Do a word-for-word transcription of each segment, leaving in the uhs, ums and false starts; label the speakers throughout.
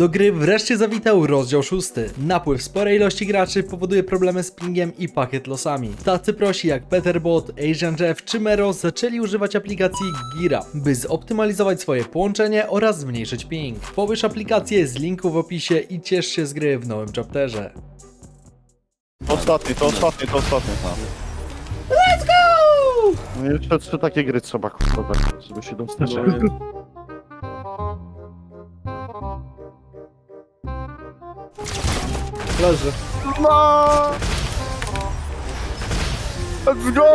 Speaker 1: Do gry wreszcie zawitał rozdział szósty. Napływ sporej ilości graczy powoduje problemy z pingiem i pakiet losami. Tacy prosi jak Peterbot, Asian Jeff czy Mero zaczęli używać aplikacji Gira, by zoptymalizować swoje połączenie oraz zmniejszyć ping. Pobierz aplikację z linku w opisie i ciesz się z gry w nowym chapterze.
Speaker 2: To ostatni, to ostatni, to ostatni.
Speaker 1: Let's go!
Speaker 2: No jeszcze trzy takie gry trzeba kurwa, żeby się dostać.
Speaker 1: Leży.
Speaker 2: No! Let's go!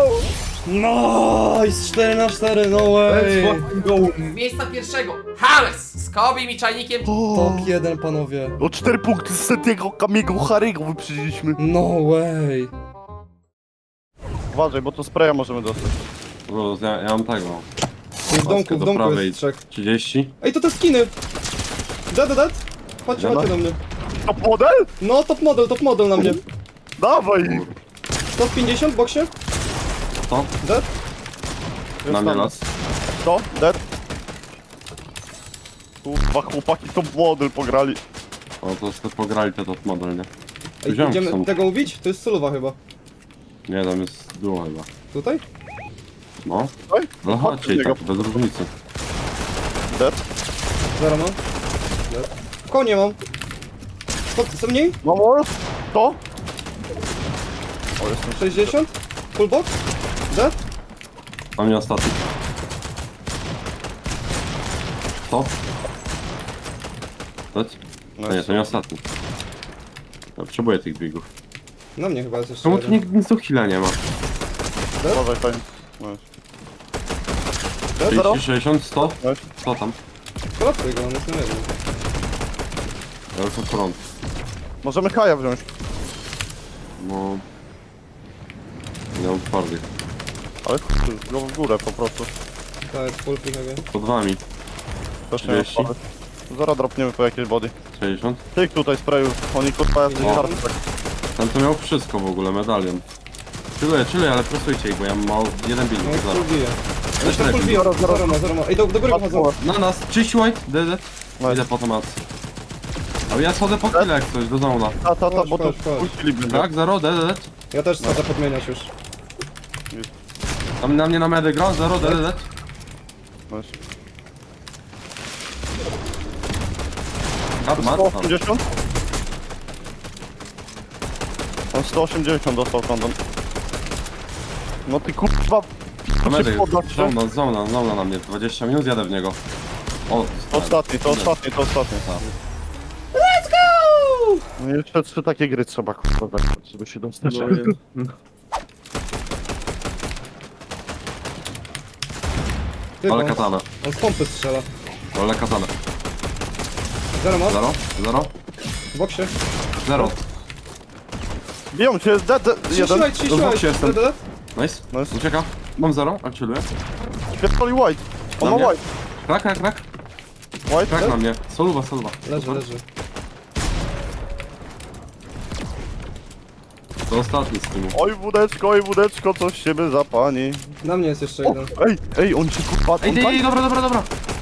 Speaker 1: Nice! cztery na cztery, no way!
Speaker 3: Miejsca pierwszego. Hales! Z Kobim i czajnikiem.
Speaker 1: Top jeden, panowie.
Speaker 2: O cztery punkty z Setiego Kamiego Harry'ego wyprzedziliśmy.
Speaker 1: No way!
Speaker 2: Uważaj, bo to spraya możemy dostać.
Speaker 4: Bo ja, ja mam tego.
Speaker 1: W domku, w
Speaker 4: do
Speaker 1: domku
Speaker 4: prawej.
Speaker 1: jest trzech.
Speaker 4: trzydzieści.
Speaker 1: Ej, to te skiny! Dead, dead, dead! Chodźcie,
Speaker 2: Dobra.
Speaker 1: chodźcie do mnie.
Speaker 2: Top model?
Speaker 1: No, top model, top model na mnie.
Speaker 2: Dawaj!
Speaker 1: sto pięćdziesiąt w boksie?
Speaker 4: To?
Speaker 1: Dead?
Speaker 4: Na mnie las.
Speaker 2: To? Dead? Kurwa, chłopaki top model pograli.
Speaker 4: O, to sobie pograli te top model, nie?
Speaker 1: Ej,
Speaker 4: Wziąłem
Speaker 1: idziemy
Speaker 4: są.
Speaker 1: tego ubić? To jest solowa chyba.
Speaker 4: Nie, tam jest duo chyba.
Speaker 1: Tutaj?
Speaker 4: No.
Speaker 2: Oj,
Speaker 4: No chodźcie i tak, bez różnicy.
Speaker 2: Dead?
Speaker 1: Zero mam. Dead. Konie mam. Skąd, co mniej?
Speaker 2: No more? To? O, jestem
Speaker 1: sześćdziesiąt? Full box? Dead?
Speaker 4: Na mnie ostatni. To? To?
Speaker 2: No,
Speaker 4: To nie, to nie ostatni. Ja potrzebuję tych biegów.
Speaker 1: Na mnie chyba jest jeszcze
Speaker 4: Czemu tu
Speaker 1: jeden.
Speaker 4: nikt nic do heala nie ma?
Speaker 2: Uważaj, fajnie. No jest. Dead, zero?
Speaker 4: trzydzieści, sześćdziesiąt, sto?
Speaker 2: No.
Speaker 4: sto tam.
Speaker 1: Kolapsuj go, on jest na jednym.
Speaker 4: Ja już mam front.
Speaker 2: Możemy Kaja wziąć.
Speaker 4: No... Nie mam twardych.
Speaker 2: Ale chuj, go w górę po prostu.
Speaker 1: To jest full free heavy.
Speaker 4: Pod wami.
Speaker 2: Też nie mam
Speaker 4: trzydzieści.
Speaker 2: sprawy. Zaraz dropniemy po jakiejś body.
Speaker 4: sześćdziesiąt.
Speaker 2: Tych tutaj sprayu, oni kurwa jacyś
Speaker 4: O.
Speaker 2: hard tak.
Speaker 4: Ten to miał wszystko w ogóle, medalion. Chilluję, chilluję, ale presujcie ich, bo ja mam mało... jeden bill,
Speaker 1: No i
Speaker 4: zaraz.
Speaker 1: full bije.
Speaker 4: Też
Speaker 1: Jeszcze full
Speaker 4: lepiej.
Speaker 1: bije, zero ma, zero ma. Ej, do, do góry wychodzą.
Speaker 4: Na nas, czyść white, dead.
Speaker 2: No
Speaker 4: Idę po tomat. Ale ja schodzę po chwilę jak coś, do zona.
Speaker 2: Ta, ta, ta,
Speaker 1: Chodź,
Speaker 2: bo to
Speaker 1: chodź, chodź.
Speaker 2: puściliby.
Speaker 4: Tak, zero, dead, dead.
Speaker 1: Ja też chcę podmieniać już.
Speaker 4: Tam na mnie na medy gra, zero, dead, dead.
Speaker 2: No jest.
Speaker 4: Mat, mat,
Speaker 2: sto
Speaker 4: tam.
Speaker 2: osiemdziesiąt? On sto osiemdziesiąt dostał kondom. No ty kurwa,
Speaker 4: Na medy,
Speaker 2: się podać, że?
Speaker 4: zona, zona, zona na mnie, dwadzieścia minut jadę w niego. O,
Speaker 2: To ostatni, to ostatni, to ostatni.
Speaker 4: Tak.
Speaker 1: Let's go!
Speaker 2: No jeszcze trzy takie gry trzeba kurwa, żeby się dostać.
Speaker 1: Ty,
Speaker 4: Ale
Speaker 1: on,
Speaker 4: katana,
Speaker 1: on z pompy strzela.
Speaker 4: ale katana.
Speaker 1: Zero ma?
Speaker 4: Zero, zero,
Speaker 1: W boksie.
Speaker 4: zero.
Speaker 2: Biją cię, dead, dead,
Speaker 1: trzydzieści
Speaker 2: jeden.
Speaker 1: white, trzydzieści
Speaker 4: Do
Speaker 1: white.
Speaker 4: boksie jestem.
Speaker 1: Dead, dead.
Speaker 4: Nice,
Speaker 2: Nice.
Speaker 4: ucieka. Mam zero, a chilluję.
Speaker 2: Pierdoli white. On
Speaker 4: Na
Speaker 2: ma
Speaker 4: mnie?
Speaker 2: white.
Speaker 4: Krak, krak, krak,
Speaker 2: White,
Speaker 4: krak na mnie. Soluwa, soluwa.
Speaker 1: Leży, leży.
Speaker 4: To ostatni z teamu.
Speaker 2: Oj wódeczko, oj wódeczko, coś siebie za pani.
Speaker 1: Na mnie jest jeszcze
Speaker 2: O,
Speaker 1: jeden.
Speaker 2: ej, ej, on się kurwa...
Speaker 4: Ej,
Speaker 2: on
Speaker 4: ej,
Speaker 2: tak-
Speaker 4: ej, dobra, dobra, dobra.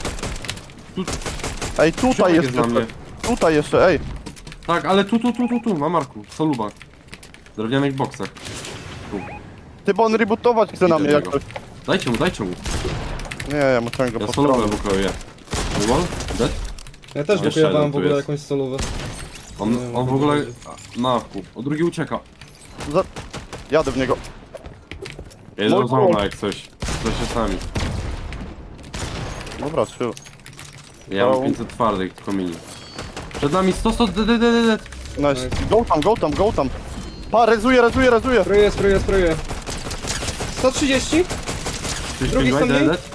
Speaker 2: Ej, tutaj
Speaker 4: Ziomek
Speaker 2: jest
Speaker 4: jest na mnie.
Speaker 2: jeszcze. Tutaj jeszcze, ej.
Speaker 4: Tak, ale tu, tu, tu, tu, tu, na Marku, soluwa. W drewnianych boksach.
Speaker 2: Ty, bo on rebootować chce na
Speaker 4: Idę
Speaker 2: mnie jak
Speaker 4: tego.
Speaker 2: coś.
Speaker 4: Dajcie mu, dajcie mu.
Speaker 2: Nie, ja musiałem go
Speaker 4: Ja
Speaker 2: po
Speaker 4: solówę
Speaker 2: stronie.
Speaker 4: bukuję. Wall? Dead?
Speaker 1: Ja też
Speaker 4: Jeszcze
Speaker 1: wykujowałem
Speaker 4: jeden
Speaker 1: w
Speaker 4: tu
Speaker 1: ogóle
Speaker 4: jest.
Speaker 1: jakąś solówę.
Speaker 4: On,
Speaker 1: Nie wiem,
Speaker 4: on w
Speaker 1: jak
Speaker 4: ogóle...
Speaker 1: to będzie.
Speaker 4: Na wku. O drugi ucieka.
Speaker 2: Za... Jadę w niego.
Speaker 4: Jest
Speaker 2: Mój
Speaker 4: do zona
Speaker 2: Bóg.
Speaker 4: jak coś. To się sami.
Speaker 2: Dobra, chill.
Speaker 4: Ja
Speaker 2: No.
Speaker 4: mam pięćset twardych, tylko mini. Przed nami sto, sto, dead, dead, dead, dead.
Speaker 2: Nice. Go tam, go tam, go tam. Pa, rezuje, rezuje, rezuje.
Speaker 1: Spróbuję, spróbuję, spróbuję. sto trzydzieści? Drugi
Speaker 4: dead,
Speaker 1: stąd
Speaker 4: dead,
Speaker 1: mniej?
Speaker 4: dead.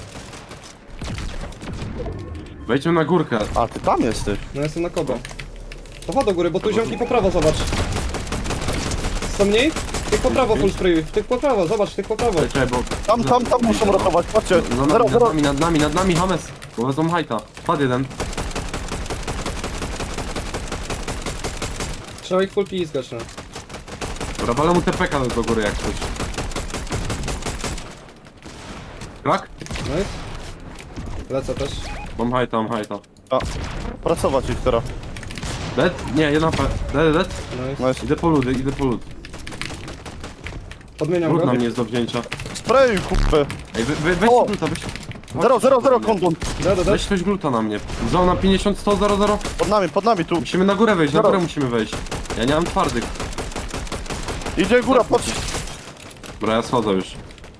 Speaker 4: Wejdźmy na górkę.
Speaker 2: A, ty tam jesteś.
Speaker 1: No jestem na kogo. To chodź do góry, bo tu ziomki po prawo, zobacz. sto mniej? Tych po prawo full spray. Tych po prawo, zobacz, tych po prawo.
Speaker 4: Czekaj, bo...
Speaker 2: Tam, tam, tam muszą ratować, patrzcie.
Speaker 4: Za nami,
Speaker 2: Zero,
Speaker 4: nad
Speaker 2: zero.
Speaker 4: nami, nad nami, nad nami, Hames. Bo wezmą hajta. Padł jeden.
Speaker 1: Trzeba ich full pizgać, no.
Speaker 4: Dobra, walę mu T P K do góry jak coś. Krak?
Speaker 1: Nice. Lecę też.
Speaker 4: Mam hajta, mam hajta.
Speaker 2: A, Pracować ich teraz.
Speaker 4: Dead? Nie, jedna pa... Dead, dead?
Speaker 5: No
Speaker 2: Nice.
Speaker 4: Idę po ludy, idę po lud.
Speaker 5: Podmieniam
Speaker 4: Lud
Speaker 5: go.
Speaker 4: na mnie jest do wzięcia.
Speaker 2: Spray, kupy.
Speaker 4: Ej, wy, wy, weź
Speaker 2: O!
Speaker 4: gluta, weź...
Speaker 2: Zero, zero, zero, kondon.
Speaker 5: Da, da, da.
Speaker 4: Weź ktoś gluta na mnie. Zona pięćdziesiąt, sto, zero, zero.
Speaker 2: Pod nami, pod nami, tu.
Speaker 4: Musimy na górę wejść, na
Speaker 2: Zero.
Speaker 4: górę musimy wejść. Ja nie mam twardych.
Speaker 2: Idzie góra, patrz.
Speaker 4: Dobra, ja schodzę już.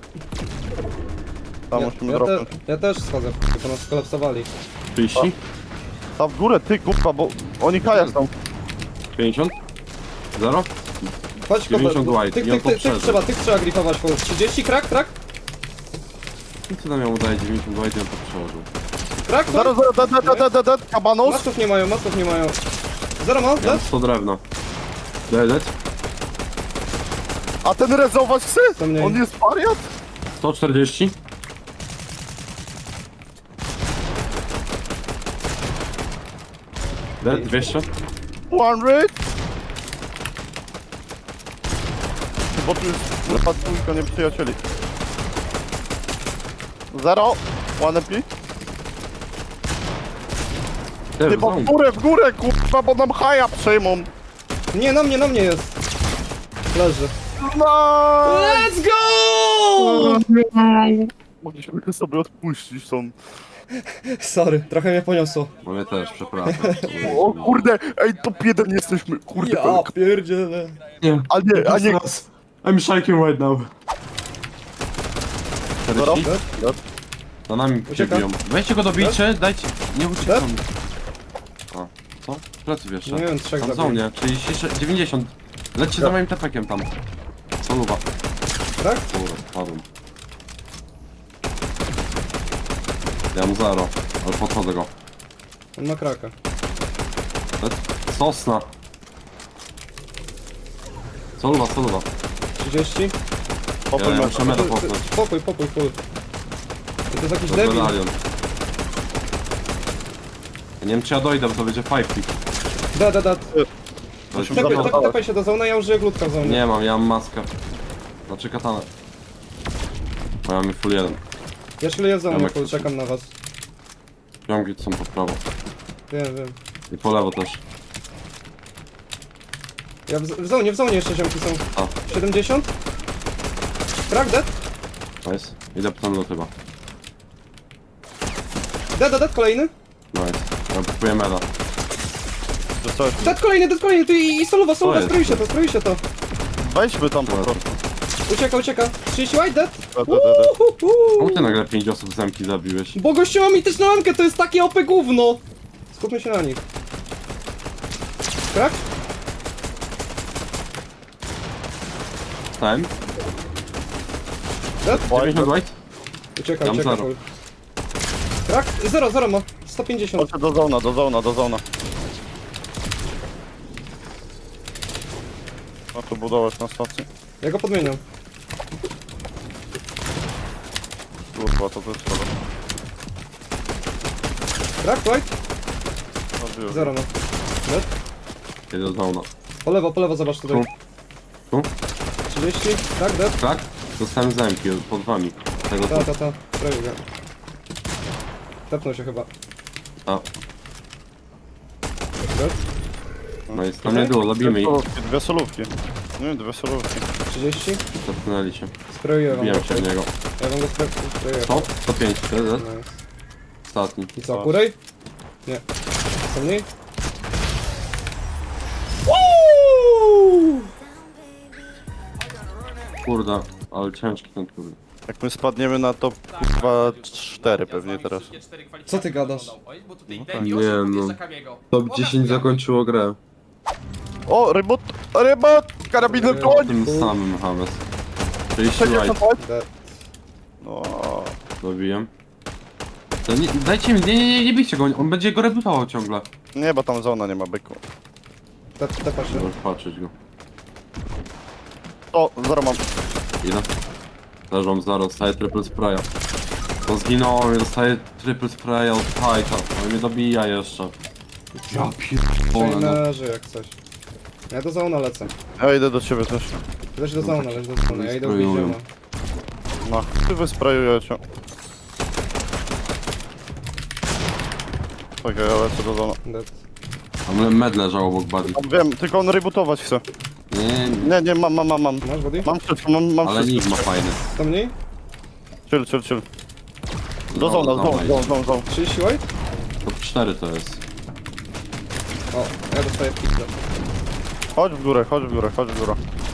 Speaker 2: Tam
Speaker 5: Ja,
Speaker 2: musimy
Speaker 5: ja, te,
Speaker 2: dropnąć.
Speaker 5: ja też schodzę, tylko nas skolapsowali.
Speaker 4: trzydzieści?
Speaker 2: Tam w górę, ty, kurwa, bo oni kajas tam.
Speaker 4: pięćdziesiąt? zero?
Speaker 5: Chodź,
Speaker 4: dziewięćdziesiąt
Speaker 5: kopę.
Speaker 4: white,
Speaker 5: Tych,
Speaker 4: i on
Speaker 5: tych, tych, tych
Speaker 4: poprzedza.
Speaker 5: trzeba, tych trzeba grifować. po trzydzieści, krak, krak?
Speaker 4: I co tam ja mu daję dziewięćdziesiąt white i on to przełożył.
Speaker 5: Krak,
Speaker 2: Zero, zero, dead, dead, dead, dead, dead, kabanos.
Speaker 5: Masków nie mają, masków nie mają. Zero ma,
Speaker 4: Ja mam
Speaker 5: dead?
Speaker 4: sto drewna. Dead, dead?
Speaker 2: A ten rezować chce?
Speaker 5: To mniej.
Speaker 2: On jest wariat?
Speaker 4: sto czterdzieści? Dead, dwieście?
Speaker 2: One rate? Bo tu jest lepa dwójka nieprzyjacieli. Zero. One M P.
Speaker 4: Ty,
Speaker 2: Ty, bo w górę, w górę, kurwa, bo nam haja przejmą.
Speaker 5: Nie, na mnie, na mnie jest. Leży.
Speaker 2: No!
Speaker 5: Let's go!
Speaker 2: Mogliśmy sobie odpuścić tą...
Speaker 5: Sorry, trochę mnie poniosło.
Speaker 4: No mnie też, przepraszam.
Speaker 2: O kurde, ej, top jeden jesteśmy, kurde.
Speaker 5: Ja pierdzielę.
Speaker 4: Nie,
Speaker 2: A nie, a nie...
Speaker 4: I'm shaking right now.
Speaker 2: Zero.
Speaker 4: czterdzieści? Za nami się
Speaker 5: Ucieka.
Speaker 4: biją. Weźcie go dobijcie, dajcie... Nie uciekam.
Speaker 5: Dead?
Speaker 4: A, co? Plecy wiesz.
Speaker 5: Nie wiem, trzech
Speaker 4: Tam są
Speaker 5: zabiłem.
Speaker 4: mnie, trzydzieści, dziewięćdziesiąt. Lećcie za moim tepekiem tam. Soluwa.
Speaker 5: Krak?
Speaker 4: Kurde, padłem. Ja mam zero, ale podchodzę go.
Speaker 5: On ma kraka.
Speaker 4: Dead? Sosna. Soluwa, soluwa.
Speaker 5: trzydzieści.
Speaker 4: Ja,
Speaker 2: Popój
Speaker 4: ja
Speaker 2: me-
Speaker 4: muszę meda
Speaker 5: Ty- ty-
Speaker 4: popchnąć.
Speaker 5: Pokój, pokój, pokój. To jest jakiś
Speaker 4: To
Speaker 5: debil.
Speaker 4: medalion. Ja nie wiem czy ja dojdę, bo to będzie five pick.
Speaker 5: Da, da, da.
Speaker 4: To jest
Speaker 5: Tepaj,
Speaker 2: Dobra,
Speaker 5: tepaj, tepaj się do zona, ja użyję glutka w zonie.
Speaker 4: Nie mam, ja mam maskę. Znaczy katanę. Bo ja mam full jeden.
Speaker 5: Ja szyluję w zonie,
Speaker 4: Jamek,
Speaker 5: ja czekam na was.
Speaker 4: Ciągi są po prawo.
Speaker 5: Wiem, wiem.
Speaker 4: I po lewo też.
Speaker 5: Ja w, w zonie, w zonie jeszcze ziomki są.
Speaker 4: A,
Speaker 5: siedemdziesiąt. Krak, dead.
Speaker 4: nice. Idę po ten lot chyba.
Speaker 5: Dead, dead, dead, kolejny.
Speaker 4: Nice. Ja kupuję meda.
Speaker 2: To coś.
Speaker 5: Dead, kolejny, dead, kolejny. Tu i, i soluwa, soluwa,
Speaker 4: jest
Speaker 5: strój się
Speaker 4: to?
Speaker 5: to, strój się to.
Speaker 2: Weźmy tam po
Speaker 4: Dobra.
Speaker 2: prostu.
Speaker 5: Ucieka, ucieka. trzydzieści white, dead.
Speaker 2: Da, da, da, da.
Speaker 5: Uhuhu.
Speaker 4: Czemu ty nagle pięć osób z zemki zabiłeś?
Speaker 5: Bo gościu ma mityczną lamkę, to jest takie O P gówno. Skupmy się na nich. Krak?
Speaker 4: Stałem?
Speaker 5: Dead?
Speaker 4: dziewięćdziesiąt white?
Speaker 5: Ucieka,
Speaker 4: Tam
Speaker 5: ucieka.
Speaker 4: zero.
Speaker 5: full. Krak? Zero, zero ma. sto pięćdziesiąt.
Speaker 2: Chodźcie do zona, do zona, do zona. A tu budować na stacji.
Speaker 5: Ja go podmieniam.
Speaker 2: Kurwa, to też szkoda.
Speaker 5: Krak, white?
Speaker 2: Zabiłem.
Speaker 5: Zero ma. Dead?
Speaker 4: Jedę do zona.
Speaker 5: Po lewo, po lewo, zobacz tutaj.
Speaker 4: Tu?
Speaker 5: trzydzieści. Krak, dead?
Speaker 4: Tak? Dostałem zemki pod wami. Tego
Speaker 5: Ta,
Speaker 4: tu.
Speaker 5: ta, ta. Prawie go. Tepnął się chyba.
Speaker 4: A,
Speaker 5: Dead?
Speaker 4: no jest tam nie było, zabijmy
Speaker 2: Dwie
Speaker 4: ich.
Speaker 2: solówki, dwie solówki. Nie, dwie solówki.
Speaker 5: trzydzieści.
Speaker 4: Zepchnęli się.
Speaker 5: Sprayuję wam go.
Speaker 4: Wbijam się w niego.
Speaker 5: Ja wam go spray- sprayuję.
Speaker 4: sto? sto pięć, dead, dead.
Speaker 5: Nice.
Speaker 4: Ostatni.
Speaker 5: I co, kurej? Nie. Co mniej?
Speaker 4: Kurde, ale ciężki ten kurde.
Speaker 2: Jak my spadniemy na top kurwa cztery pewnie teraz.
Speaker 5: Co ty gadasz?
Speaker 3: Bo tutaj
Speaker 4: tak.
Speaker 3: Devi
Speaker 4: Nie,
Speaker 3: osiem
Speaker 4: no.
Speaker 3: podjeżdża Kamiego.
Speaker 4: Top
Speaker 3: Pokaż
Speaker 4: dziesięć
Speaker 3: mi, jak-
Speaker 4: zakończyło grę.
Speaker 2: O, rybot, rybot, karabinem
Speaker 5: Nie.
Speaker 2: koń!
Speaker 4: Tym samym Hames. trzydzieści
Speaker 2: sześćdziesiąt
Speaker 4: white.
Speaker 2: white.
Speaker 5: Dead.
Speaker 2: No,
Speaker 4: Dobiłem. To nie, dajcie mi, nie, nie, nie, nie bijcie go, on będzie go rebutował ciągle.
Speaker 2: nie, bo tam zona nie ma byku.
Speaker 5: Tep, tepa się.
Speaker 4: Możesz patrzeć go.
Speaker 2: O, zero mam.
Speaker 4: Ile? Leżą zero, dostaję triple spraya. To zginąłem, dostaję triple spraya od Titan. On mnie dobija jeszcze. Ja pierdolę, no.
Speaker 5: Trainerzy jak coś. Ja do zona lecę.
Speaker 2: Ja idę do ciebie też.
Speaker 5: Ty też do zona, leć do zona. Ja idę w
Speaker 4: Sprayują.
Speaker 5: więziona.
Speaker 2: No, ty wysprajujecie. Czekaj, ja lecę do zona.
Speaker 5: Dead.
Speaker 4: Tam med leżał obok buddy.
Speaker 2: Wiem, tylko on rebootować chce.
Speaker 4: Nie, nie, nie.
Speaker 2: Nie, nie, mam, mam, mam, mam.
Speaker 5: Masz body?
Speaker 2: Mam wszystko, mam, mam
Speaker 4: Ale
Speaker 2: wszystko.
Speaker 4: nick ma fajny.
Speaker 5: To mniej?
Speaker 2: Chill, chill, chill. Do
Speaker 4: No,
Speaker 2: zona,
Speaker 4: dobra,
Speaker 2: zona, zona, zona, zona.
Speaker 5: trzydzieści white?
Speaker 4: To cztery to jest.
Speaker 5: O, ja dostaję pizdę.
Speaker 2: Chodź w górę, chodź w górę, chodź w górę.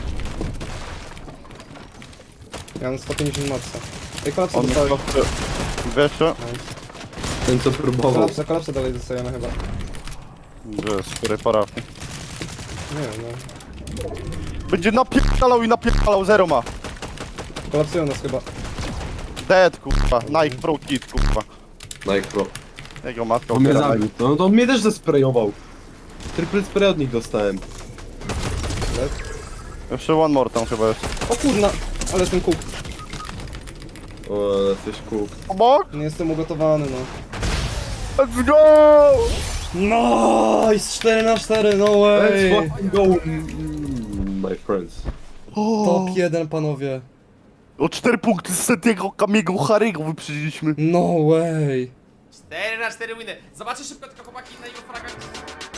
Speaker 5: Ja mam sto pięćdziesiąt matca. Ej, kolapsa
Speaker 2: On
Speaker 5: dostałem.
Speaker 2: dwieście.
Speaker 4: Ten co próbował.
Speaker 5: Kolapsa, kolapsa dalej dostajemy chyba.
Speaker 2: Gdzie jest? W której parafii?
Speaker 5: Nie wiem, no.
Speaker 2: Będzie napierdalał i napierdalał, zero ma.
Speaker 5: Kolapsują nas chyba.
Speaker 2: Dead, kurwa. Nike Pro Kit, kurwa.
Speaker 4: Nike Pro.
Speaker 2: Jego matka
Speaker 4: On mnie
Speaker 2: ubiera
Speaker 4: zabił. To, to on mnie też zesprejował. Triple spray od nich dostałem.
Speaker 5: Dead.
Speaker 2: Jeszcze one more tam chyba jest.
Speaker 5: O kurna! Ale ten kuk.
Speaker 4: O, ale coś cool.
Speaker 2: Obok?
Speaker 5: Nie jestem ugotowany, no.
Speaker 2: Let's go!
Speaker 5: Nice! cztery na cztery, no way!
Speaker 4: Let's fucking go, mm, my friends.
Speaker 5: Top jeden, panowie.
Speaker 2: O cztery punkty z Setiego Kamiego Harry'ego wyprzedziliśmy.
Speaker 5: No way!
Speaker 3: cztery na cztery winy. Zobaczę szybko tylko chłopaki na jego fragach.